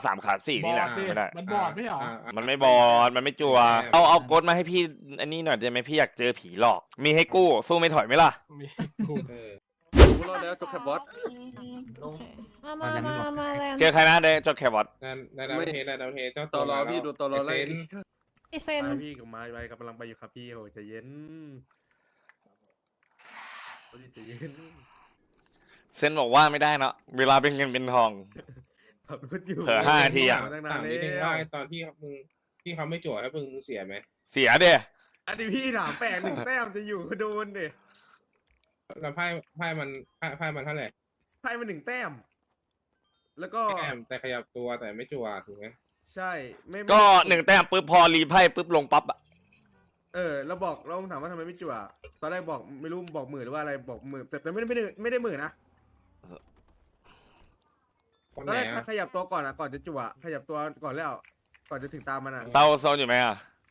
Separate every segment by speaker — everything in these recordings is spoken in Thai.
Speaker 1: ขา 3 ขา 4นี่แหละไม่ได้
Speaker 2: มันบอดไม่เหรอ
Speaker 1: มันไม่บอดมันไม่จัวเอาโกดมาให้พี่อันนี้หน่อยได้ไหมพี่อยากเจอผีหลอกมีให้กู้สู้ไม่ถอยไหมล่ะ
Speaker 2: มีกู
Speaker 3: กูรอดแล้วจบแคปบอส
Speaker 4: มาแรง
Speaker 1: เจอใครนะได้จดแคบอท
Speaker 5: ได้ดาวเทเจ้า
Speaker 3: ต่อรอพี่ดูต่อรอไล่
Speaker 4: ไอเซน
Speaker 6: พี่กับไม้ไปกำลังไปอยู่ครับพี่โหใจเย็นใจเย็น
Speaker 1: เซนบอกว่าไม่ได้เนาะเวลาเป็นเงินเป็นทอง
Speaker 6: ขับรถอยู่
Speaker 1: เผลอ5 นาทีอะ
Speaker 5: ถามนิดนึงว่าตอนที่มึงที่เขาไม่จั่วแล้วมึงเสียไหม
Speaker 1: เสียเด้
Speaker 6: อันนี้พี่ถามแปลก1 แต้มจะอยู่โดนดิ
Speaker 5: แล้วไพ่มันเท่าไหร่
Speaker 6: ไพ่มัน1 แต้ม แล้วก็
Speaker 5: แต้มแต่ขยับตัวแต่ไม่จั่วถูกไหม
Speaker 6: ใช่ไม่
Speaker 1: ก็1 แต้มปุ๊บพอรีไพ่ปุ๊บลงปั๊บอะ
Speaker 6: เราบอกเราถามว่าทำไมไม่จั่วตอนแรกบอกไม่รู้บอกหมื่นหรือว่าอะไรบอกหมื่นแต่ไม่ได้หมื่นนะ
Speaker 5: คน
Speaker 6: ตอน
Speaker 5: ไหน
Speaker 6: แรก
Speaker 5: อะ
Speaker 6: ขยับตัวก่อนก่อนจะจั่วขยับตัวก่อนแล้วก่อนจะถึงตามมันอ่ะ
Speaker 1: เตาโซนอยู่ไหมอ่ะ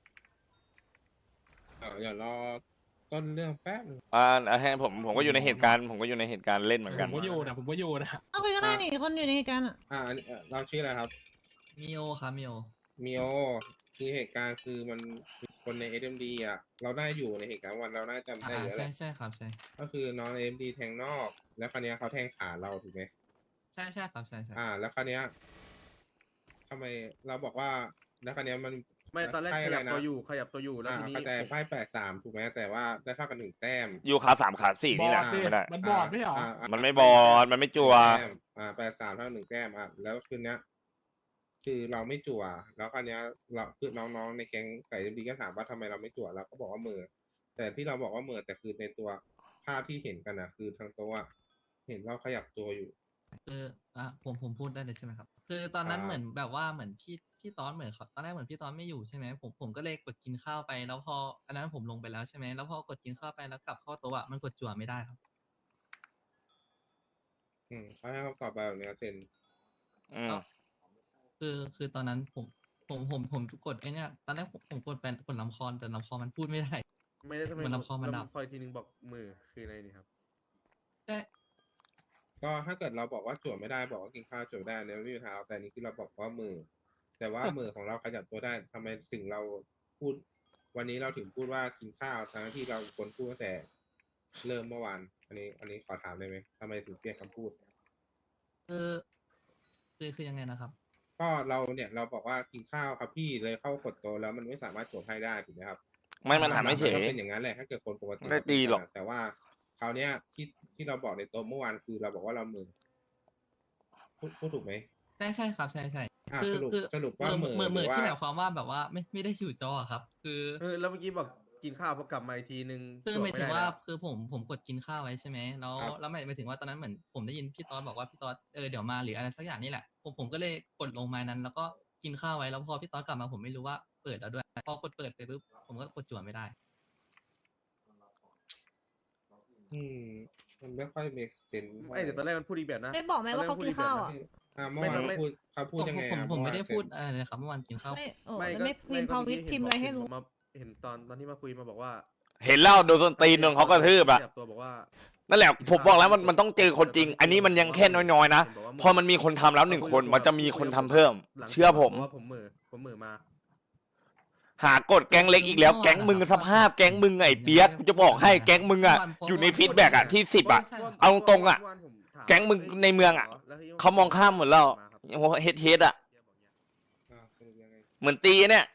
Speaker 5: เดี๋ยวรอต้นเรื่องแป๊บ
Speaker 1: ให้ผมก็อยู่ในเหตุการณ์ผมก็อยู่ในเหตุการณ์เล่นเหมือนกัน
Speaker 2: ผมก็อยู่นะ
Speaker 4: เอาคุยก็ได้นี่คนอยู่ในเหตุการณ์อ่ะ
Speaker 5: อันนี้เราชื่ออะไรครับ
Speaker 7: มิโอครับมิโอ
Speaker 5: มิโอคือเหตุการณ์คือมันคือคนใน SMD อ่ะเราได้อยู่ในเหตุการณ์วันเราน่าจำได้อยู่แล้วแห
Speaker 7: ใช่
Speaker 5: ละ
Speaker 7: ใช่ครับใช่
Speaker 5: ก็คือน้อง SMD แทงนอก แล้วคราวเนี้ยเขาแทงขาเราถูกไหม
Speaker 7: ใช่ใช่ครับใช่ใช่
Speaker 5: แล้วคราวเนี้ยทำไมเราบอกว่าแล้วคราวเนี้ยมัน
Speaker 6: ไม่ตอนแรกขยับตัวอยู่แล้วทีนี้
Speaker 5: เข้าใจไพ่8-3ถูกไหมแต่ว่าได้เท่ากัน1 แต้ม
Speaker 1: อยู่ขา 3 ขา 4นี่แหละ
Speaker 2: บอดดิ
Speaker 1: ไม่ได้
Speaker 2: มันบอดไม่เหรอ
Speaker 1: มันไม่บอดมันไม่จัว
Speaker 5: 8-3เท่า1 แต้มแล้วคืนเนี้ยคือเราไม่จั่วแล้วคราวเนี้ยเราคือน้องๆในแก๊งไก่ดีก็ถามว่าทำไมเราไม่จั่วเราก็บอกว่ามือแต่ที่เราบอกว่ามือแต่คือในตัวภาพที่เห็นกันนะคือทางโต๊ะเห็นเราขยับตัวอยู่
Speaker 7: คือผมพูดได้เลยใช่ไหมครับคือตอนนั้นเหมือนแบบว่าเหมือนพี่ตอนเหมือนเขาตอนแรกเหมือนพี่ตอนไม่อยู่ใช่ไหมผมก็เลยกดกินข้าวไปแล้วพออันนั้นผมลงไปแล้วใช่ไหมแล้วพอกดกินข้าวไปแล้วกลับเข้าโต๊ะมันกดจั่วไม่ได้ครับ
Speaker 5: เขาให้คำตอบแบบนี้เซ็น
Speaker 7: คือตอนนั้นผมกดไอ้เนี่ยตอนแรกผมกดเป็นกดลำคอแต่ลำคอมันพูดไม่ได้
Speaker 6: ไม่ได้ทำไม
Speaker 7: มันลำคอมันดับ
Speaker 6: คอยทีนึงบอกมือคืออะไรนี่ครับ
Speaker 7: ใช่
Speaker 5: ก็ถ้าเกิดเราบอกว่าจั่วไม่ได้บอกว่ากินข้าวจั่วได้เนี่ยไม่มีปัญหาแต่นี่คือเราบอกว่ามือ แต่ว่ามือของเราขยับตัวได้ทำไมถึงเราพูด วันนี้เราถึงพูดว่ากินข้าวทั้งที่เราควรพูดตั้งแต่เริ่มเมื่อวานอันนี้ขอถามได้ไหมทำไมถึงเปลี่ยนคำพูด
Speaker 7: คือยังไงนะครับ
Speaker 5: ก็เราเนี่ยเราบอกว่ากินข้าวครับพี่เลยเข้ากดโตะแล้วมันไม่สามารถจั่วให้ได้ถูกไหมครับ
Speaker 1: มันถามไม่เฉย
Speaker 5: ก็เป็นอย่างนั้นแหละถ้าเกิดคนปกติ
Speaker 1: ไม่ตีหรอก
Speaker 5: แต่ว่าคราวเนี้ยที่เราบอกในโต๊ะเมื่อวานคือเราบอกว่าเรามือพูดถูกไหม
Speaker 7: ใช่ครับใช่คือ
Speaker 5: สรุปว่ามือ
Speaker 7: มือ
Speaker 5: หรือว่า
Speaker 7: ที่หมายความว่าแบบว่าไม่ได้อยู่จอครับ คือ
Speaker 6: แล้วเมื่อกี้บอกกินข้าวพอกลับมาอีกทีนึง
Speaker 7: คือหมายถึง
Speaker 6: จบไได้
Speaker 7: ว่า
Speaker 6: แล้ว
Speaker 7: คือผมกดกินข้าวไว้ใช่ไหมแล้วหมายถึงว่าตอนนั้นเหมือนผมได้ยินพี่ตอสบอกว่าพี่ตอสเดี๋ยวมาหรืออะไรสักอย่างนี่แหละผมก็เลยกดลงมานั้น แล้วก็กินข้าวไว้แล้วพอพี่ตอสกลับมาผมไม่รู้ว่าเปิดแล้วด้วยพอกดเปิดไปปุ๊บผมก็กดจั่วไม่ได้
Speaker 5: มันไม่ค่อยมีเซน
Speaker 6: ไม่แต่ตอนแรกมันพูดอีกแบบนะ
Speaker 4: ได้บอกไหมว่าเขากินข้าวอ่ะ
Speaker 5: เมื่อวานเขาพูดยังไง
Speaker 7: ผมไม่ได้พูดอะไรเลยครับเมื่อวานกินข้าว
Speaker 4: ไม่พิมพ์พอวิทพิมพ์อะไรให้รู้
Speaker 6: เห็นตอนที่มาคุยมาบอกว่า
Speaker 1: เห็นแล้วโดนส้นตีนโดนเขากระทืบอะ
Speaker 6: ขยัตัวบอกว่า
Speaker 1: นั่นแหละผมบอกแล้วมันต้องเจอคนจริง อันนี้มันยังแค่น้อยๆนะพอมันมีคนทำแล้ว1 คนมันจะมีคนทำเพิ่ม เชื่อผม
Speaker 6: ว่าผมมือมา
Speaker 1: หากดแก๊งเล็กอีกแล้วแก๊งมึงสภาพแก๊งมึงไอ้เปียกกูจะบอกให้แก๊งมึงอะอยู่ในฟีดแบ็กอะที่10อะ เอาตรงๆอะ แก๊งมึงในเมืองอะเขามองข้ามหมดแล้วเฮดอะเหมือนตีเนี่ย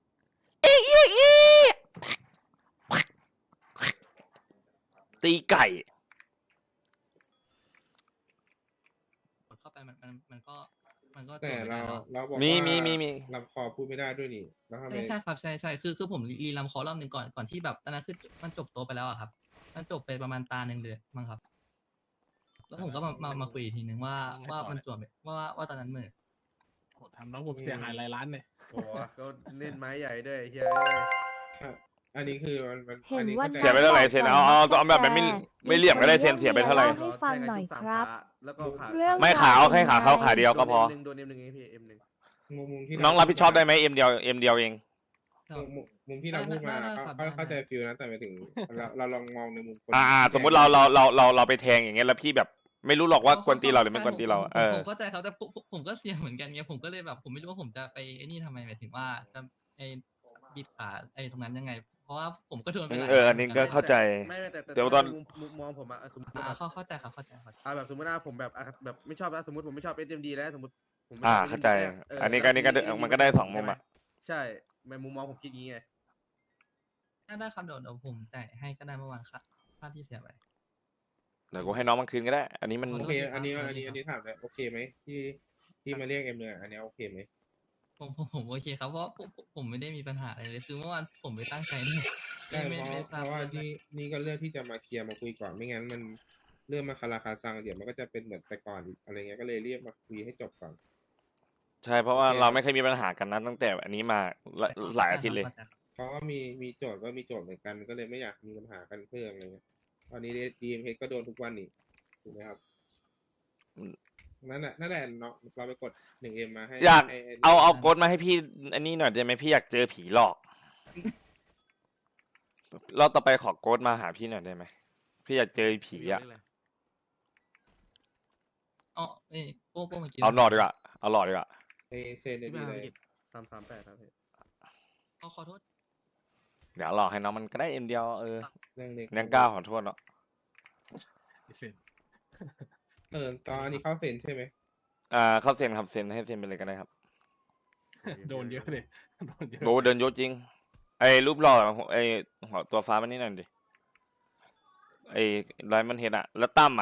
Speaker 1: ตีไก่
Speaker 7: เข้าไปมันก็
Speaker 5: แต่เราบอก
Speaker 1: มี
Speaker 5: ลำคอพูดไม่ได้ด้วยนี่แล้วทำไม
Speaker 7: ใช่ครับใช่คือผมรีลำคอรอบหนึ่งก่อนที่แบบตอนนั้นคือมันจบโตไปแล้วอะครับมันจบไปประมาณตาหนึ่งเลยมั้งครับ แล้วผมก็มาคุยอีกทีนึงว่ามันจบว่าตอนนั้นมือ
Speaker 2: ทำน้องผมเสียหายหลายล้านเนี่ย
Speaker 6: โอ้ก็เล่นไม้ใหญ่ด้วยเฮีย
Speaker 5: อันนี้คือมัน
Speaker 8: เห็นว่า
Speaker 1: เสียไปเท่าไหร่เซนเอาแบบไม่เหลี่ยมก็ได้เซนเสียไปเท่าไหร่
Speaker 8: ให้ฟังหน่อยครับ
Speaker 6: แล้วก็ขา
Speaker 8: เรื่อง
Speaker 1: ไม่ขาเอาแค่ขาเขาขาเดียวก็พอ
Speaker 6: โดน M1 ไงพี่ M1
Speaker 5: มุมที่
Speaker 1: น้องรับผิดชอบได้ไหมเอ็มเดียวเอง
Speaker 5: มุมที่เราพูดมาเข้าใจฟิลนะแต่ไปถึงเราลองมองในมุมคน
Speaker 1: สมมติเราไปแทงอย่างเงี้ยแล้วพี่แบบไม่รู้หรอกว่ากวนตีเราหรือไม่กวนตีเราเออ
Speaker 7: ผมเข้าใจครับแต่ผมก็เสี่ยงเหมือนกันไงผมก็เลยแบบผมไม่รู้ว่าผมจะไปไอ้นี่ทำไมหมายถึงว่าจะไอ้บิดขาไอ้ตรงนั้นยังไง เพราะว่าผมก็โดนไปหลาย
Speaker 1: อันนี้ก็เข้าใจ
Speaker 6: ไม่แต่
Speaker 1: เดี๋ยวตอน
Speaker 6: มุมมองผมอะสมมติ
Speaker 7: เข้าใจครับเข้าใจ
Speaker 6: แบบสมมติว่าผมแบบไม่ชอบนะสมมติผมไม่ชอบ SMD แล้วสมมติผมไม่ชบ
Speaker 1: เข้าใจ
Speaker 6: SMD
Speaker 1: อันนี้ก็มันก็ได้สองมุมอะ
Speaker 6: ใช่ในมุมมองผมคิดงี้ไง
Speaker 7: ได้ครับเดี๋ยวผมจ่ายให้ก็ได้เมื่อวานค่าที่เสียไป
Speaker 1: เดี๋ยวกูให้น้องมันคืนก็ได้ อันนี้มัน
Speaker 7: ข
Speaker 5: โอ
Speaker 7: โทษ
Speaker 5: เค
Speaker 7: ทีครับ
Speaker 5: อันนี้
Speaker 7: ขอโทษทีครับ
Speaker 5: ถามเลยโอเคไหมที่มาเรียกเอ็มเนี่ยอันนี้โอเคไหม
Speaker 7: ผมโอเคครับเพราะผมไม่ได้มีปัญหาอะไรเลยคือเมื่อวานผมไปตั้งใจนี่
Speaker 5: ใช่
Speaker 7: ไม่
Speaker 5: เพ
Speaker 7: ไม่
Speaker 5: ราะ
Speaker 7: ทราบ
Speaker 5: ว่า
Speaker 7: เรื่อง
Speaker 5: นี่ก็เลือกที่จะมาเคลียร์มาคุยก่อนไม่งั้นมันเรื่องมาคาราคาซังเดี๋ยวมันก็จะเป็นเหมือนแต่ก่อนอีกอะไรเงี้ยก็เลยเรียกมาคุยให้จบก่อน
Speaker 1: ใช่เพราะว่า
Speaker 5: โอเค
Speaker 1: เราไม่เคยมีปัญหากันนะตั้งแต่อันนี้มาหลายอาทิตย์เลย
Speaker 5: เพราะว่ามีโจทย์ก็มีโจทย์เหมือนกันก็เลยไม่อยากมีปัญหากันเพิ่มอะไรเงี้ยตอนนี้DMH ก็โดนทุกวันอีกถูกไหมครับ
Speaker 1: อืม
Speaker 5: นั่นแหละเนาะเราไปกด1Mมาให้
Speaker 1: อยาก
Speaker 5: ให้
Speaker 1: เอาโกดมาให้พี่อันนี้หน่อยได้ไหมพี่อยากเจอผีหลอกรอบต่อไปขอโกดมาหาพี่หน่อยได้ไหมพี่อยากเจอผีอ่ะ
Speaker 7: อ๋อนี่โป้เมื่อกี้
Speaker 1: เอาหลอดดีกว่าเอาหลอดดีกว่า
Speaker 5: ให้เซนได้ดีเลย
Speaker 6: 338ครับพี่
Speaker 7: ขอโทษ
Speaker 1: เดี๋ยวหลอกให้น้องมันก็ได้เอ็มเดียว
Speaker 5: เรื่องเล็ก
Speaker 1: เลี้ยงก้าวขอโทษเนาะ
Speaker 2: เสร็จ
Speaker 5: ตอนนี้เข้าเซนใช่ไหม
Speaker 1: เข้าเซ็นครับเซ็นให้เซ็นไปเลยก็ได้ครับ
Speaker 2: โดนเยอะเลยโดนเยอะ
Speaker 1: โอ้เดินยศจริง ไอ้รูปหล่อไอ้หัวตัวฟ้ามันนี่หน่อยดิไอ้ไรมันเห็นอะแล้วตั้ม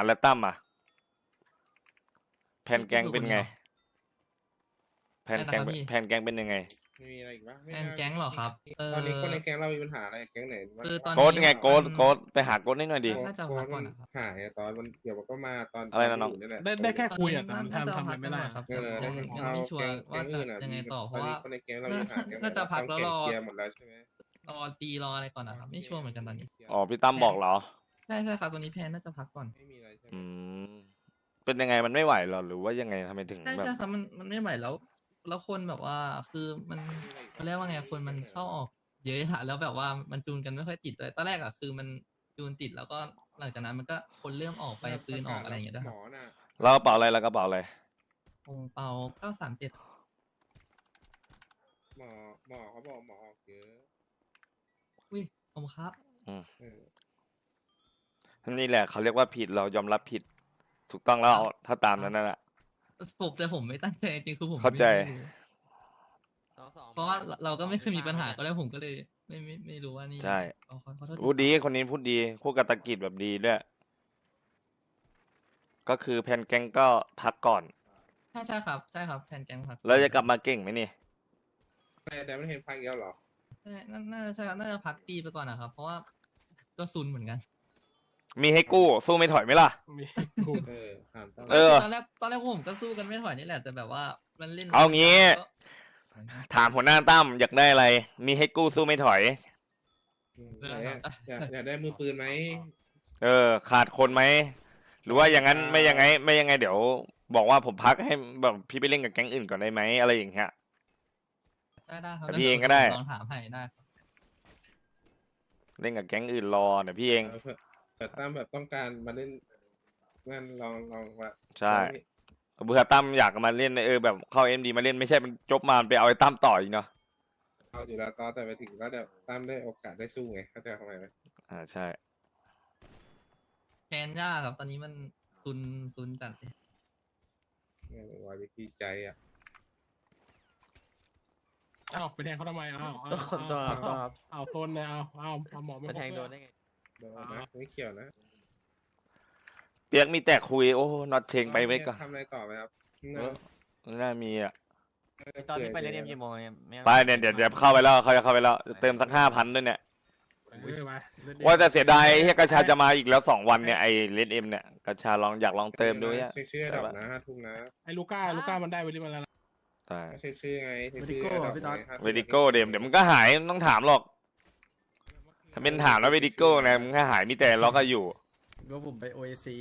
Speaker 1: แผนแกงเป็นไง แผนแกงเป็นยังไง
Speaker 5: ไม่มีอะไรอีกปะไม่
Speaker 7: แอน
Speaker 5: น่า
Speaker 7: แก๊งเหรอครับ
Speaker 5: ตอนนี้คนในแก๊งเรามีปัญหาอะไรแก๊งไหนวะ
Speaker 7: คือตอน
Speaker 1: โกดไงโกดไปหาโกดนิดหน่อยดิ
Speaker 7: น่าจะพักก่อนนะครับ
Speaker 5: หายอะตอนมันเดี๋ยวมันก็มาตอน
Speaker 1: อะไรนะน้อง
Speaker 5: ยู่แหละ
Speaker 2: ได้แค่คุยอะ
Speaker 7: ต
Speaker 2: แต่
Speaker 7: อนนี้
Speaker 2: ทำอะไรไม่ได้
Speaker 7: น่าจะพักก่อนครับ
Speaker 5: เออ
Speaker 7: ยังไม่ชัวร์ว่าจะยังไงต่อเพราะว่า
Speaker 5: คนในแก๊งเรามีปัญหาแก๊งไห
Speaker 7: น่าจะพักแล้วรอ
Speaker 5: เคลียร์หมดแล้วใช่ไหม
Speaker 7: รอตีรออะไรก่อนนะครับไม่ชัวร์เหมือนกันตอนนี้
Speaker 1: อ๋อพี่ตั้มบอกเหรอ
Speaker 7: ใช่ครับตอนนี้แพนน่าจะพักก่อน
Speaker 5: ไม่มีอะไรใช่ไหม
Speaker 1: อืมเป็นยังไงมันไม่ไหวเหรอหรือว่ายังไงทำไมถึง
Speaker 7: ใช่
Speaker 1: แบบ
Speaker 7: ใช่ครับมันไม่ไหวแล้วคนแบบว่าคือมันเขาเรียกว่าไงคนมันเข้าออกเยอะอะแล้วแบบว่ามันจูนกันไม่ค่อยติดเลยตอนแรกอะคือมันจูนติดแล้วก็หลังจากนั้นมันก็คนเริ่มออกไปปืนออกอะไรอย่างเงี้ยด้วย
Speaker 5: ห
Speaker 7: ค
Speaker 5: ม
Speaker 7: รับ
Speaker 5: อน่ะ
Speaker 1: แล้วกระเป๋าอะไรแล้วกระเป๋าอะไร
Speaker 7: องเปา937
Speaker 5: หมอเขาบอกหมอออกเยอะ
Speaker 7: อุ้ยผมครับ
Speaker 5: เออ
Speaker 1: นี่แหละเขาเรียกว่าผิดเรายอมรับผิด ถูกต้องแล้วถ้าตามนั้นน่ะ
Speaker 7: แต่ผมไม่ตั้งใจจริงๆคือผม
Speaker 1: เข้าใจ
Speaker 7: ไม่รู้เพราะว่าเราก็ไม่เคยมีปัญหาก็แล้วผมก็เลยไม่รู้ว่านี่
Speaker 1: ใช่
Speaker 7: ขอโทษที
Speaker 1: พูดดีคนนี้พูดดีพูดกับตะกิดแบบดีด้วยก็คือแพนแกงก็พักก่อน
Speaker 7: ใช่ครับแทนแก๊งพัก
Speaker 1: แล้วจะกลับมาเก่งไหมนี่
Speaker 5: แต่ไม่เห็นพักเดียวหรอ
Speaker 7: ใช่น่าจะใช่ครับน่าจะพักตีไปก่อนนะครับ เพราะว่าก็ซุนเหมือนกัน
Speaker 1: มีให้กู้สู้ไม่ถอยไหมล่ะ
Speaker 2: มีกู
Speaker 5: ถามต้อง
Speaker 1: เออ
Speaker 7: ตอนแรกผมก็สู้กันไม่ถอยนี่แหละแต่แบบว่ามันเล่น
Speaker 1: เอางี้
Speaker 7: ก็
Speaker 1: ถามหัวหน้าตั้มอยากได้อะไร มีให้กู้สู้ไม่ถอย
Speaker 5: อยากได้มือปืนไหม
Speaker 1: ขาดคนไหมหรือว่าอย่างนั้นไม่ยังไงเดี๋ยว บอกว่าผมพักให้แบบพี่ไปเล่นกับแก๊งอื่นก่อนได้ไหมอะไรอย่างเงี้ย
Speaker 7: ได้ครับ
Speaker 1: แต่พี่เองก็ได้
Speaker 7: ลองถามให้ได้ครับ
Speaker 1: เล่นกับแก๊งอื่นรอเดี๋ยวพี่เอง
Speaker 5: แต่ตั้มแบบต้องการมาเล่นงั้นลองว่า
Speaker 1: ใช่เบื่อตั้มอยากมาเล่นแบบเข้าเอ็มดีมาเล่นไม่ใช่มันจบมาไปเอาไอ้ตั้มต่ออีกเนาะ
Speaker 5: เอาอยู่แล้วแต่ไปถึงก็เดี๋ยวตั้มได้โอกาสได้สู้ไงเข้าใจทำไมไหม
Speaker 1: ใช่
Speaker 7: แทนยากครับตอนนี้มันซุนจัดเลย
Speaker 5: วายวิธีใจอ่ะ
Speaker 2: อ้าวไปแทงเขาทำไมอ้าวเอาโซนเลยเอาหมอไม่แทงโดนได้ไง
Speaker 5: โดนนะไม่เกี่ยวนะ
Speaker 1: เปียกมีแต่คุยโอ้น็อตเชงไปไว้ก่อน
Speaker 5: ทำอะไรต่อไหมครับ
Speaker 1: น่ามีอ่ะ
Speaker 8: ตอนนี้ไปเล่นกี่โมงเนี่ยไม่
Speaker 1: ไปเนี่ยเดี๋ยวเข้าไปแล้วเขาจะเข้าไปแล้วเติมสัก5,000ด้วยเนี่ย
Speaker 2: ไป
Speaker 1: ว่าแต่เสียดายที่กระชาจะมาอีกแล้ว2 วันเนี่ยไอเลนเอ็มเนี่ยกระชาอยากลองเติมดูเนี่ย
Speaker 5: ชื่อดับนะ5 ทุ่มนะ
Speaker 2: ไอ้ลูก้ามันได้ไปที่มันแล้ว
Speaker 1: ใช่
Speaker 5: ไม่ใช่ชื่อไง
Speaker 1: เวดิโก้เดี๋ยวมันก็หายไม่ต้องถามหรอก ถ้าเป็นถามแล้วเวดิโก้เนี่ยมันก็หายมีแต่ล็อกก็อยู่
Speaker 8: ก็ผมไปโอเอซี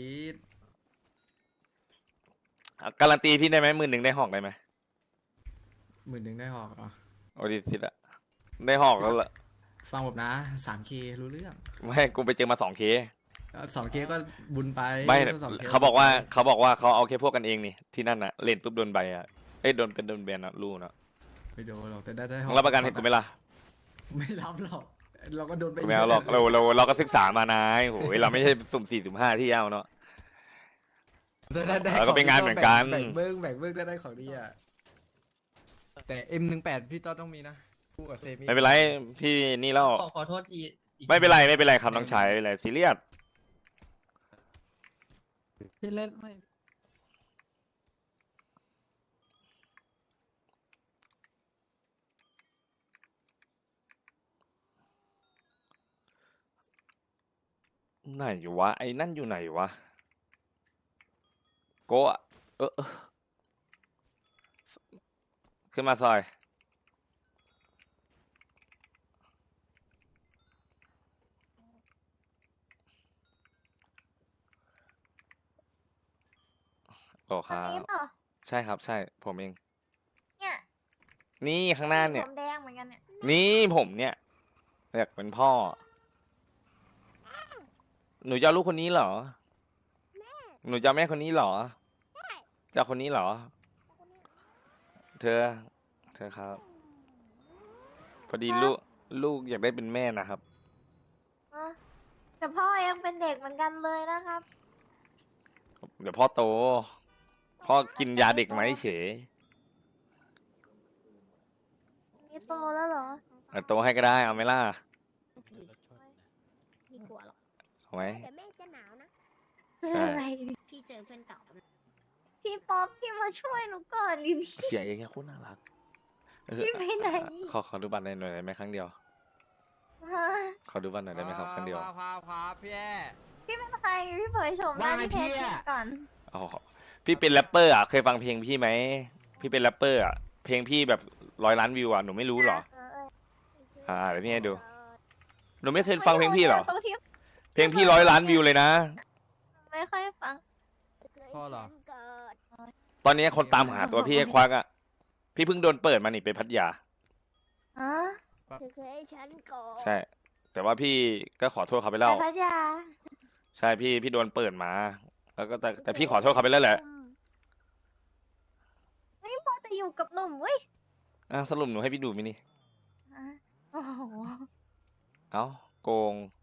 Speaker 1: การันตีพี่ได้ไหม10,000ได้หอกได้ไหม
Speaker 8: 10,000ได้หอกเหรอ
Speaker 1: โอดิสิตอะได้หอกแล้วละ
Speaker 8: ฟังผมนะ 3K รู้เรื่อง
Speaker 1: ไม่กูไปเจอมา2K
Speaker 8: 2 เคสก็บุญไป
Speaker 1: ไม่
Speaker 8: 2คส
Speaker 1: เขาบอกว่าเขาเอาแค่พวกกันเองนี่ที่นั่นน่ะเล่นปุ๊บโดนใบอ่ะเอ้ยโดนแบนนะรู้นะ
Speaker 8: ไม่โดนหรอกแต่ได้
Speaker 1: มึงรับประกันให้กูไหมล่ะ
Speaker 8: ไม่รับหรอกเราก็โดนไป
Speaker 1: ไม่เอาหรอกเราก็ศึกษามานายโหยเราไม่ใช่สุ่ม4สุ่ม5ที่เอาเนาะ
Speaker 8: ได้
Speaker 1: เราก็เป็นงานเหมือนกัน
Speaker 8: แบ่งเบิ้งได้ของดีอ่ะแต่ M18 พี่ต้อต้องมีนะคู่กับเซมิ
Speaker 1: ไม่เป็นไรพี่นี่แล้ว
Speaker 7: ขอโทษทีอีก
Speaker 1: ไม่เป็นไรครับน้องชายไม่เป็นไรซีเรียส
Speaker 8: พี่เล่นไม่
Speaker 1: ไหนวะไอ้นั่นอยู่ไหนวะโกะขึ้นมาซอยโอ้ครับ
Speaker 9: นี้เปล่า
Speaker 1: ใช่ครับใช่ผมเอง
Speaker 9: เนี่ย
Speaker 1: นี่ข้างหน้าเนี่ย
Speaker 9: ผมแดงเหมือนกันเนี่ย
Speaker 1: นี่ผมเนี่ยอยากเป็นพ่อ หนูจะเอาลูกคนนี้เหรอ หนูจะเอาแม่คนนี้เหรอจะเอาคนนี้เหรอ เธอครับ พอดีลูกอยากได้เป็นแม่นะครับ
Speaker 9: อ่ะแต่พ่อยังเป็นเด็กเหมือนกันเลยนะครับ
Speaker 1: เดี๋ยวพ่อโต พ่อกินยาเด็กไหมเฉย
Speaker 9: นี่โตแล้วเหรอ
Speaker 1: โตให้ก็ได้เอาไหมล่ะ
Speaker 9: ไม่กลัวหรอก
Speaker 1: เอาไหม
Speaker 9: เดี๋ยวแม่จะหนาวนะ
Speaker 1: ใช่
Speaker 9: อะไรพี่เจอเพื่อนเก่าพี่ป๊อปพี่มาช่วยหนูก่อนดิพี่
Speaker 1: เสียงอย่างเงี้ยโคตรน่ารัก
Speaker 9: พี่ไปไหน
Speaker 1: ขอดูบัตรหน่อยได้ไหมครั้งเดียว
Speaker 9: ฮะ
Speaker 1: ขอดูบัตรหน่อยได้ไหมครับครั้งเดียว
Speaker 8: ครับพี่แอ
Speaker 9: พี่เป็นใครพี่เผยโฉมหน้า
Speaker 8: ว่าไง
Speaker 9: ที่
Speaker 8: พี่
Speaker 9: แท้จริ
Speaker 8: อะ
Speaker 9: งก่อน
Speaker 1: อ๋อพี่เป็นแรปเปอร์อ่ะเคยฟังเพลงพี่ไหมพี่เป็นแรปเปอร์อ่ะเพลงพี่แบบ100 ล้านวิวอ่ะหนูไม่รู้เหรอ เดี๋ยวพี่ให้ดู หนูไม่เคยฟังเพลงพี่เหรอ
Speaker 9: ตรงที่
Speaker 1: เพลงพี่100 ล้านวิวเลยนะ
Speaker 9: ไม่ค่อยฟัง
Speaker 8: พ่อเหรอ
Speaker 1: ตอนนี้คนตามหาตัวพี่ไอ้ควักอ่ะพี่เพิ่งโดนเปิดมานี่ไปพัทยา
Speaker 9: อ๋อ
Speaker 1: ใช่ แต่ว่าพี่ก็ขอโทษเขาไปแล้ว
Speaker 9: ไปพัทยา
Speaker 1: ใช่พี่โดนเปิดมา แล้วก็แต่พี่ขอโทษเขาไปแล้วแหละ
Speaker 9: ไม่พอแต่อยู่กับหนุ่มเว้ย
Speaker 1: สรุปหนูให้พี่ดูไหมนี่
Speaker 9: อ่ะโอ้โห
Speaker 1: เอ้าโกง